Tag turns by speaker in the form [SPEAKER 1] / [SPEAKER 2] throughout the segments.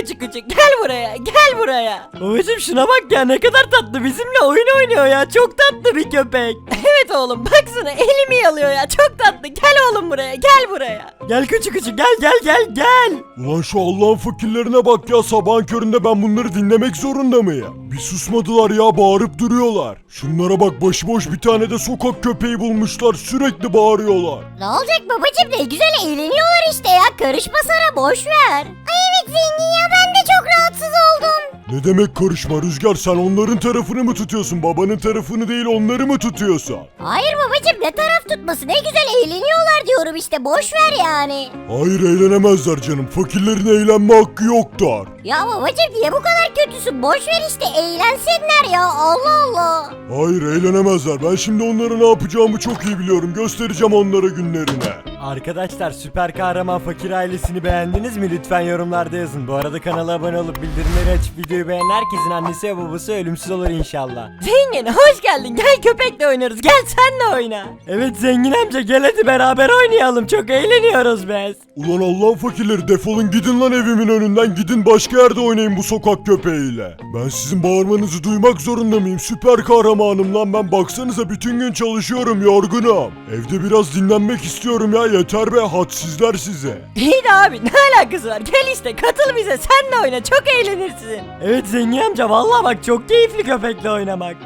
[SPEAKER 1] küçük küçük gel buraya gel buraya. Babacım şuna bak ya ne kadar tatlı bizimle oyun oynuyor ya çok tatlı bir köpek. Evet oğlum baksana elimi yalıyor ya çok tatlı gel oğlum buraya gel buraya. Gel küçük küçük gel.
[SPEAKER 2] Ulan şu Allah'ın fakirlerine bak ya, sabahın köründe ben bunları dinlemek zorunda mıyım? Bir susmadılar ya, bağırıp duruyorlar. Şunlara bak, başıboş bir tane de sokak köpeği bulmuşlar, sürekli bağırıyorlar.
[SPEAKER 3] Ne olacak babacım, ne güzel eğleniyorlar işte ya, karışma sana, boş ver. Ay evet zengin ya, ben de çok rahatsız oldum.
[SPEAKER 2] Ne demek karışma Rüzgar, sen onların tarafını mı tutuyorsun, babanın tarafını değil onları mı tutuyorsun?
[SPEAKER 3] Hayır babacım, ne taraf tutması, ne güzel eğleniyorlar diyorum işte, boş ver yani.
[SPEAKER 2] Hayır, eğlenemezler canım, fakirlerin eğlenme hakkı yoktur.
[SPEAKER 3] Ya babacım niye bu kadar kötüsün, boş ver işte, eğlensinler ya, Allah Allah.
[SPEAKER 2] Hayır, eğlenemezler, ben şimdi onlara ne yapacağımı çok iyi biliyorum, göstereceğim onlara günlerine.
[SPEAKER 1] Arkadaşlar süper kahraman fakir ailesini beğendiniz mi? Lütfen yorumlarda yazın. Bu arada kanala abone olup bildirimleri açıp videoyu beğenen herkesin annesi ve babası ölümsüz olur inşallah. Zengin hoş geldin, gel köpekle oynarız, gel sen de oyna. Evet zengin amca gel hadi beraber oynayalım, çok eğleniyoruz biz.
[SPEAKER 2] Ulan Allah'ın fakirleri, defolun gidin lan evimin önünden, gidin başka yerde oynayın bu sokak köpeğiyle. Ben sizin bağırmanızı duymak zorunda mıyım? Süper kahramanım lan ben, baksanıza bütün gün çalışıyorum, yorgunum. Evde biraz dinlenmek istiyorum ya, yeter be, hadsizler size.
[SPEAKER 1] İyi de abi ne alakası var, gel işte katıl bize, sen de oyna, çok eğlenirsin. Evet zengin amca vallahi bak çok keyifli köpekle oynamak.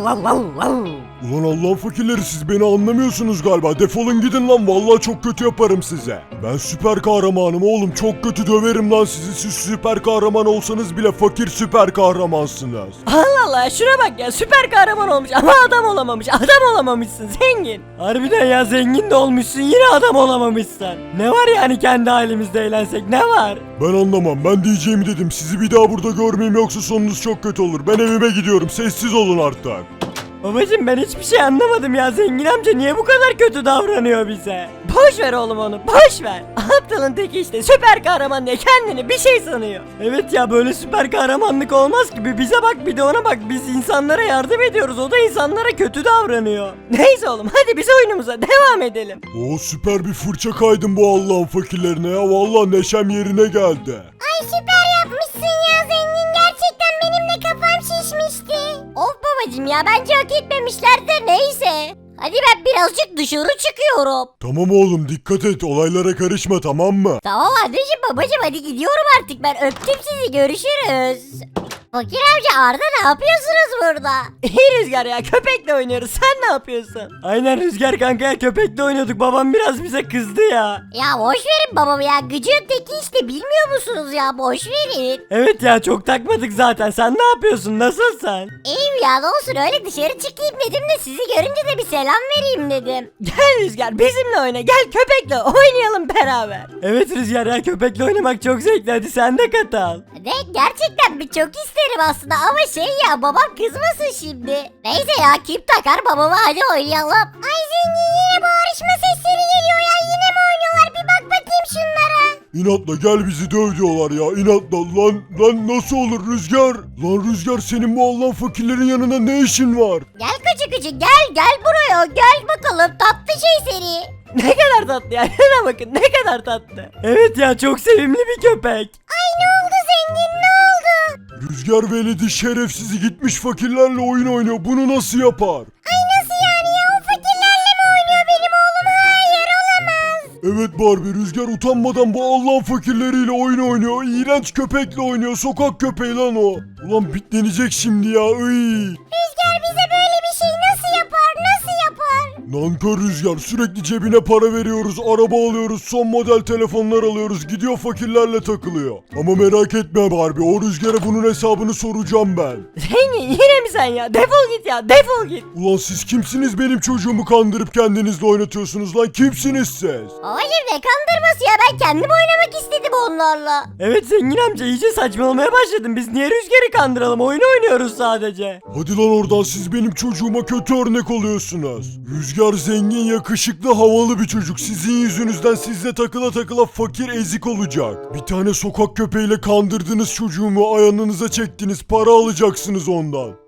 [SPEAKER 2] Ulan Allah'ın fakirleri, siz beni anlamıyorsunuz galiba, defolun gidin lan, vallahi çok kötü yaparım size. Ben süper kahramanım oğlum, çok kötü döverim lan sizi, siz süper kahraman olsanız bile fakir süper kahramansınız.
[SPEAKER 1] Allah Allah şuna bak ya, süper kahraman olmuş ama adam olamamış, adam olamamışsın zengin. Harbiden ya, zengin de olmuşsun yine adam olamamışsın. Ne var yani kendi halimizde eğlensek, ne var?
[SPEAKER 2] Ben anlamam, ben diyeceğimi dedim, sizi bir daha burada görmeyeyim yoksa sonunuz çok kötü olur. Ben evime gidiyorum, sessiz olun artık.
[SPEAKER 1] Babacım ben hiçbir şey anlamadım ya, zengin amca niye bu kadar kötü davranıyor bize? Boş ver oğlum onu, boş ver. Aptalın teki işte, süper kahraman diye kendini bir şey sanıyor. Evet ya, böyle süper kahramanlık olmaz gibi, bize bak bir de ona bak, biz insanlara yardım ediyoruz, o da insanlara kötü davranıyor. Neyse oğlum hadi biz oyunumuza devam edelim.
[SPEAKER 2] Oo, süper bir fırça kaydım bu Allah'ın fakirlerine ya, vallahi neşem yerine geldi.
[SPEAKER 3] Ay süper yapmışsın ya zengin, gerçekten benim de kafam şişmişti. Of babacım ya, bence hak etmemişlerdir, neyse. Hadi ben birazcık dışarı çıkıyorum.
[SPEAKER 2] Tamam oğlum, dikkat et, olaylara karışma, tamam mı?
[SPEAKER 3] Tamam anneciğim babacım, hadi gidiyorum artık ben, öptüm sizi, görüşürüz. Fakir amca, Arda ne yapıyorsunuz burada?
[SPEAKER 1] İyi Rüzgar ya, köpekle oynuyoruz, sen ne yapıyorsun? Aynen Rüzgar kanka ya, köpekle oynuyorduk, babam biraz bize kızdı ya.
[SPEAKER 3] Ya boş verin babamı ya, gıcığın teki işte, bilmiyor musunuz ya, boş verin.
[SPEAKER 1] Evet ya, çok takmadık zaten, sen ne yapıyorsun, nasılsın?
[SPEAKER 3] İyiyim ya, ne olsun, öyle dışarı çıkayım dedim de sizi görünce de bir selam vereyim dedim.
[SPEAKER 1] Gel Rüzgar bizimle oyna, gel köpekle oynayalım beraber. Evet Rüzgar ya, köpekle oynamak çok zevkli, hadi sen de katıl.
[SPEAKER 3] Ne, gerçekten bir çok isterim aslında ama şey ya, babam kızmasın şimdi. Neyse ya, kim takar babama, hadi oynayalım. Ay zengin, yine bağırışma sesleri geliyor ya, yine mi oynuyorlar, bir bak bakayım şunlara.
[SPEAKER 2] İnatla gel bizi döv diyorlar ya, inatla lan nasıl olur Rüzgar? Lan Rüzgar, senin bu Allah'ın fakirlerin yanında ne işin var?
[SPEAKER 3] Gel küçük küçük, gel buraya, gel bakalım tatlı şey seni.
[SPEAKER 1] Ne kadar tatlı ya, şuna bakın ne kadar tatlı. Evet ya, çok sevimli bir köpek.
[SPEAKER 3] Ay ne oldu zengin, ne oldu?
[SPEAKER 2] Rüzgar veledi şerefsizi gitmiş fakirlerle oyun oynuyor, bunu nasıl yapar?
[SPEAKER 3] Ay nasıl yani ya, o fakirlerle mi oynuyor benim oğlum, hayır olamaz.
[SPEAKER 2] Evet Barbie, Rüzgar utanmadan bu Allah'ın fakirleriyle oyun oynuyor, iğrenç köpekle oynuyor, sokak köpeği lan o. Ulan bitlenecek şimdi ya,
[SPEAKER 3] Rüzgar bize böyle bir şey nasıl yapar, nasıl yapar?
[SPEAKER 2] Nankör Rüzgar, sürekli cebine para veriyoruz, araba alıyoruz, son model telefonlar alıyoruz, gidiyor fakirlerle takılıyor. Ama merak etme Barbie, o Rüzgar'a bunun hesabını soracağım ben.
[SPEAKER 1] Zengin yine mi sen ya, defol git ya, defol git.
[SPEAKER 2] Ulan siz kimsiniz, benim çocuğumu kandırıp kendinizle oynatıyorsunuz lan, kimsiniz siz?
[SPEAKER 3] Babacım ne kandırması ya, ben kendim oynamak istedim onlarla.
[SPEAKER 1] Evet zengin amca, iyice saçmalamaya başladın, biz niye Rüzgar'ı kandıralım, oyun oynuyoruz sadece.
[SPEAKER 2] Hadi lan oradan, siz benim çocuğuma kötü örnek oluyorsunuz. Rüzgar zengin, yakışıklı, havalı bir çocuk. Sizin yüzünüzden sizle takıla takıla fakir, ezik olacak. Bir tane sokak köpeğiyle kandırdınız çocuğumu, ayağınıza çektiniz, para alacaksınız ondan.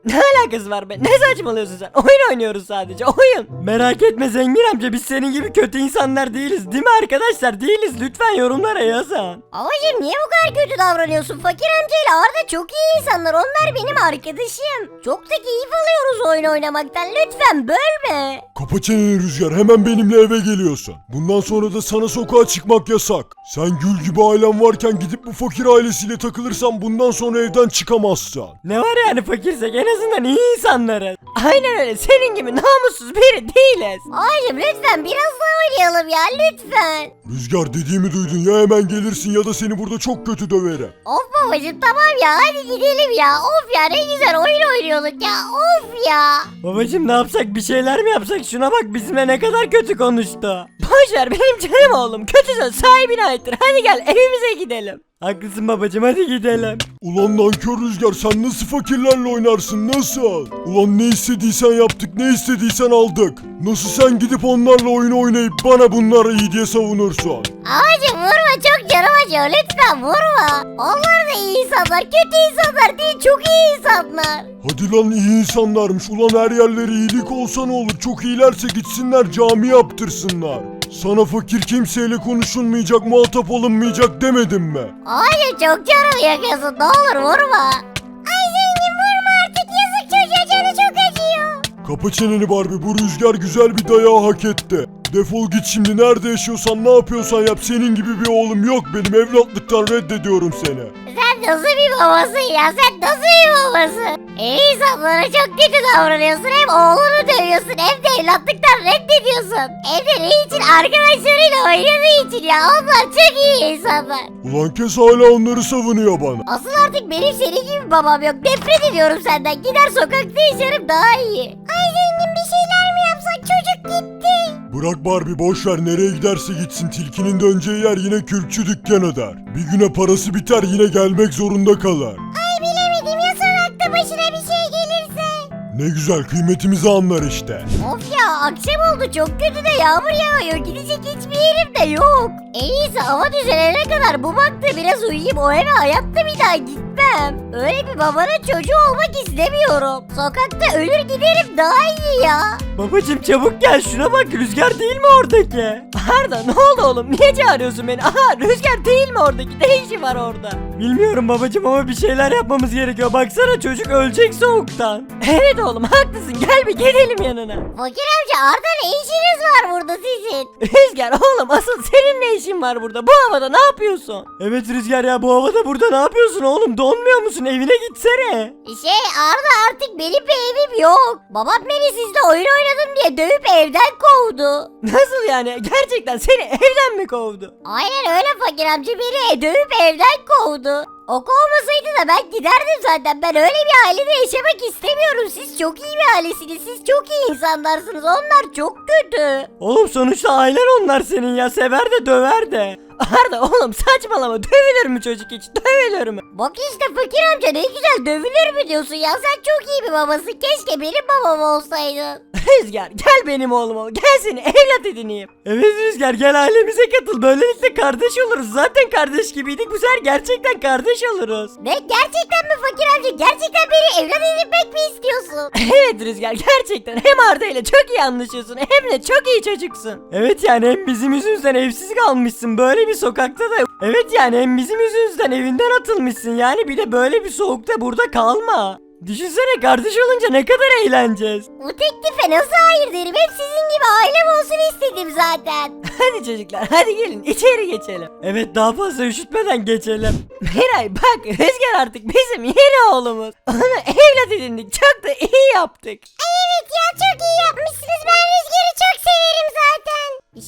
[SPEAKER 1] Ne alakası var be? Ne saçmalıyorsun sen? Oyun oynuyoruz sadece, oyun. Merak etme zengin amca, biz senin gibi kötü insanlar değiliz değil mi arkadaşlar? Değiliz, lütfen yorumlara yazın.
[SPEAKER 3] Babacım niye bu kadar kötü davranıyorsun? Fakir amcayla Arda çok iyi insanlar. Onlar benim arkadaşım. Çok da keyif alıyoruz oyun oynamaktan. Lütfen bölme.
[SPEAKER 2] Kapa çeneni Rüzgar, hemen benimle eve geliyorsun. Bundan sonra da sana sokağa çıkmak yasak. Sen Gül gibi ailen varken gidip bu fakir ailesiyle takılırsan bundan sonra evden çıkamazsın.
[SPEAKER 1] Ne var yani, fakirsek en azından iyi insanlarız. Aynen öyle, senin gibi namussuz biri değiliz.
[SPEAKER 3] Babacım lütfen biraz daha oynayalım ya lütfen.
[SPEAKER 2] Rüzgar, dediğimi duydun, ya hemen gelirsin ya da seni burada çok kötü döverim.
[SPEAKER 3] Of babacım tamam ya hadi gidelim ya. Of ya ne güzel oyun oynuyorduk ya. Of ya.
[SPEAKER 1] Babacım ne yapsak, bir şeyler mi yapsak? Şuna bak, bizimle ne kadar kötü konuştu. Boşver, benim canım oğlum, kötü söz sahibine aittir. Hadi gel evimize gidelim. Haklısın babacım, hadi gidelim.
[SPEAKER 2] Ulan nankör Rüzgar, sen nasıl fakirlerle oynarsın, nasıl? Ulan ne istediysen yaptık, ne istediysen aldık. Nasıl sen gidip onlarla oyun oynayıp bana bunlar iyi diye savunursun?
[SPEAKER 3] Babacım vurma çok canım acıyor lütfen vurma. Onlar da iyi insanlar kötü insanlar değil çok iyi insanlar.
[SPEAKER 2] Hadi lan, iyi insanlarmış. Ulan her yerleri iyilik olsa ne olur? Çok iyilerse gitsinler cami yaptırsınlar. Sana fakir kimseyle konuşulmayacak, muhatap olunmayacak demedim mi?
[SPEAKER 3] Babacım çok canım yakıyorsun ne olur vurma. Ay zengin vurma artık yazık çocuğa canı çok acıyor.
[SPEAKER 2] Kapa çeneni Barbie, bu Rüzgar güzel bir dayağı hak etti. Defol git şimdi, nerede yaşıyorsan ne yapıyorsan yap, senin gibi bir oğlum yok benim, evlatlıktan reddediyorum seni.
[SPEAKER 3] Sen nasıl bir babasın ya sen nasıl bir babasın? İyi insanlara çok kötü davranıyorsun hem oğlunu dövüyorsun hem de evlatlıktan reddediyorsun. Hem de ne için arkadaşlarıyla oynadığı için ya onlar çok iyi insanlar.
[SPEAKER 2] Ulan kes, hala onları savunuyor bana.
[SPEAKER 3] Asıl artık benim senin gibi bir babam yok. Nefret ediyorum senden. Gider sokakta yaşarım daha iyi. Ay zengin bir şeyler mi yapsak? Çocuk gitti.
[SPEAKER 2] Bırak Barbie, boşver, nereye giderse gitsin, tilkinin döneceği yer yine kürkçü dükkanı der. Bir güne parası biter, yine gelmek zorunda kalır.
[SPEAKER 3] Ay bilemedim ya sokakta başına bir şey gelirse.
[SPEAKER 2] Ne güzel, kıymetimizi anlar işte.
[SPEAKER 3] Of ya akşam oldu çok kötü de yağmur yağıyor. Gidecek hiçbir yerim de yok. En iyisi hava düzelene kadar bu bankta biraz uyuyayım. O eve hayatta bir daha gitmem. Öyle bir babanın çocuğu olmak istemiyorum. Sokakta ölür giderim daha iyi ya.
[SPEAKER 1] Babacım çabuk gel, şuna bak, Rüzgar değil mi oradaki? Arda ne oldu oğlum, niye çağırıyorsun beni? Aha, Rüzgar değil mi oradaki, ne işi var orada? Bilmiyorum babacım ama bir şeyler yapmamız gerekiyor, baksana çocuk ölecek soğuktan. Evet oğlum haklısın, gel bir gidelim yanına.
[SPEAKER 3] Fakir amca Arda ne işiniz var burada sizin?
[SPEAKER 1] Rüzgar oğlum, asıl senin ne işin var burada, bu havada ne yapıyorsun? Evet Rüzgar ya, bu havada burada ne yapıyorsun oğlum, donmuyor musun, evine gitsene.
[SPEAKER 3] Arda artık benim bir evim yok. Babam beni sizle oyun oynadım diye dövüp evden kovdu.
[SPEAKER 1] Nasıl yani, gerçekten seni evden mi kovdu?
[SPEAKER 3] Aynen öyle fakir amca beni dövüp evden kovdu. O kovmasaydı da ben giderdim zaten. Ben öyle bir ailede yaşamak istemiyorum. Siz çok iyi bir ailesiniz. Siz çok iyi insanlarsınız. Onlar çok kötü.
[SPEAKER 1] Oğlum sonuçta ailen onlar senin ya, sever de döver de. Arda oğlum saçmalama, dövülür mü çocuk hiç, dövülür mü?
[SPEAKER 3] Bak işte fakir amca ne güzel dövülür mü diyorsun ya. Sen çok iyi bir babasın. Keşke benim babam olsaydın.
[SPEAKER 1] Rüzgar gel benim oğlum ol, gel seni evlat edineyim. Evet Rüzgar, gel ailemize katıl, böylelikle kardeş oluruz, zaten kardeş gibiydik, bu sefer gerçekten kardeş oluruz.
[SPEAKER 3] Ne gerçekten mi fakir amca? Gerçekten beni evlat edinmek mi istiyorsun?
[SPEAKER 1] Evet Rüzgar, gerçekten hem Arda ile çok iyi anlaşıyorsun hem de çok iyi çocuksun. Evet yani hem bizim yüzümüzden evsiz kalmışsın böyle bir sokakta da. Evet yani hem bizim yüzümüzden evinden atılmışsın, yani bir de böyle bir soğukta burada kalma. Düşünsene, kardeş olunca ne kadar eğleneceğiz.
[SPEAKER 3] Bu teklife nasıl hayır derim? Hep sizin gibi ailem olsun istedim zaten.
[SPEAKER 1] Hadi çocuklar, hadi gelin içeri geçelim. Evet, daha fazla üşütmeden geçelim. Miray bak, Rüzgar artık bizim yeni oğlumuz. Onu evlat edindik, çok da iyi yaptık.
[SPEAKER 3] Evet ya çok iyi yapmışsınız. Ben Rüzgar'ı çok severim zaten.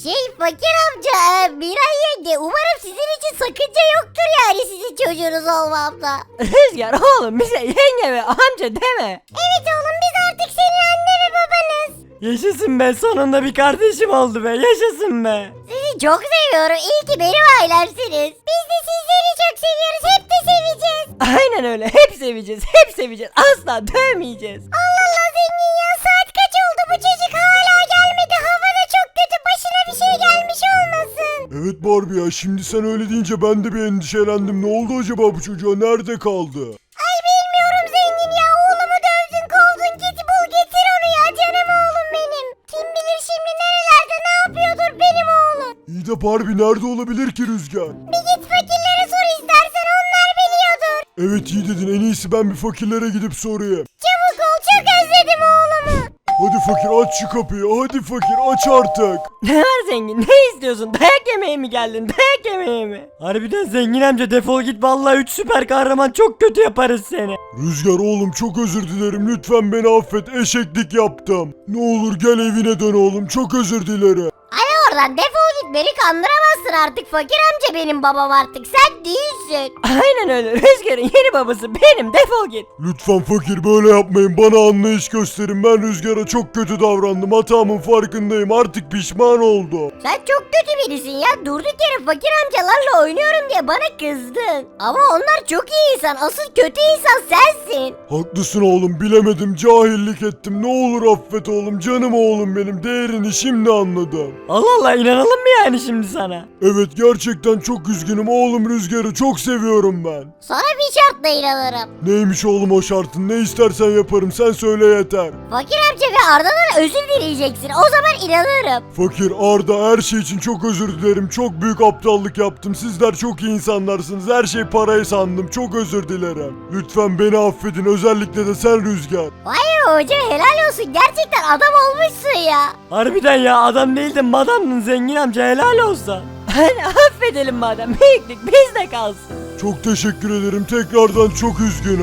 [SPEAKER 3] Fakir amca, Miray yenge umarım sizin için sakınca yoktur yani sizin çocuğunuz olmamda.
[SPEAKER 1] Rüzgar oğlum, bize yenge ve amca deme.
[SPEAKER 3] Evet oğlum biz artık senin anne ve babanız.
[SPEAKER 1] Yaşasın be, sonunda bir kardeşim oldu be, yaşasın be.
[SPEAKER 3] Sizi çok seviyorum. İyi ki benim ailemsiniz. Biz de sizleri çok seviyoruz. Hep de seveceğiz.
[SPEAKER 1] Aynen öyle, hep seveceğiz, hep seveceğiz, asla dövmeyeceğiz.
[SPEAKER 3] Allah Allah zengin ya saat kaç oldu bu çocuk hala gelmedi. Hava da çok kötü başına bir şey gelmiş olmasın.
[SPEAKER 2] Evet Barbie ya, şimdi sen öyle deyince ben de bir endişelendim. Ne oldu acaba bu çocuğa, nerede kaldı?
[SPEAKER 3] Ay bilmiyorum zengin ya oğlumu dövdün
[SPEAKER 2] kasap harbi nerede olabilir ki Rüzgar?
[SPEAKER 3] Bir git fakirlere sor istersen onlar biliyordur.
[SPEAKER 2] Evet iyi dedin, en iyisi ben bir fakirlere gidip sorayım.
[SPEAKER 3] Çabuk ol çok özledim oğlumu.
[SPEAKER 2] Hadi fakir aç şu kapıyı, hadi fakir aç artık.
[SPEAKER 1] Ne var zengin, ne istiyorsun? Dayak yemeye mi geldin, dayak yemeye mi? Harbiden zengin amca defol git, vallahi 3 süper kahraman çok kötü yaparız seni.
[SPEAKER 2] Rüzgar oğlum çok özür dilerim, lütfen beni affet, eşeklik yaptım. Ne olur gel evine dön oğlum, çok özür dilerim.
[SPEAKER 3] Hadi oradan defol git, beni kandıramazsın artık, fakir amca benim babam artık, sen değilsin.
[SPEAKER 1] Aynen öyle, Rüzgar'ın yeni babası benim, defol git.
[SPEAKER 2] Lütfen fakir böyle yapmayın, bana anlayış gösterin, ben Rüzgar'a çok kötü davrandım, hatamın farkındayım, artık pişman oldum.
[SPEAKER 3] Sen çok kötü birisin ya, durduk yere fakir amcalarla oynuyorum diye bana kızdın. Ama onlar çok iyi insan, asıl kötü insan sensin.
[SPEAKER 2] Haklısın oğlum, bilemedim, cahillik ettim, ne olur affet oğlum, canım oğlum benim, değerini şimdi anladım.
[SPEAKER 1] Allah Allah, inanalım mı yani şimdi sana?
[SPEAKER 2] Evet gerçekten çok üzgünüm oğlum, Rüzgar'ı çok seviyorum ben.
[SPEAKER 3] Sana bir şartla inanırım.
[SPEAKER 2] Neymiş oğlum o şartın, ne istersen yaparım, sen söyle yeter.
[SPEAKER 3] Fakir amca ve Arda'dan özür dileyeceksin, o zaman inanırım.
[SPEAKER 2] Fakir, Arda, her şey için çok özür dilerim, çok büyük aptallık yaptım, sizler çok iyi insanlarsınız, her şey parayı sandım, çok özür dilerim. Lütfen beni affedin, özellikle de sen Rüzgar.
[SPEAKER 3] Vay be hoca, helal olsun, gerçekten adam olmuşsun ya.
[SPEAKER 1] Harbiden ya, adam değildin madamdın zengin amca, helal olsun. Hani affedelim madem, büyüklük bizde kalsın.
[SPEAKER 2] Çok teşekkür ederim, tekrardan çok üzgünüm.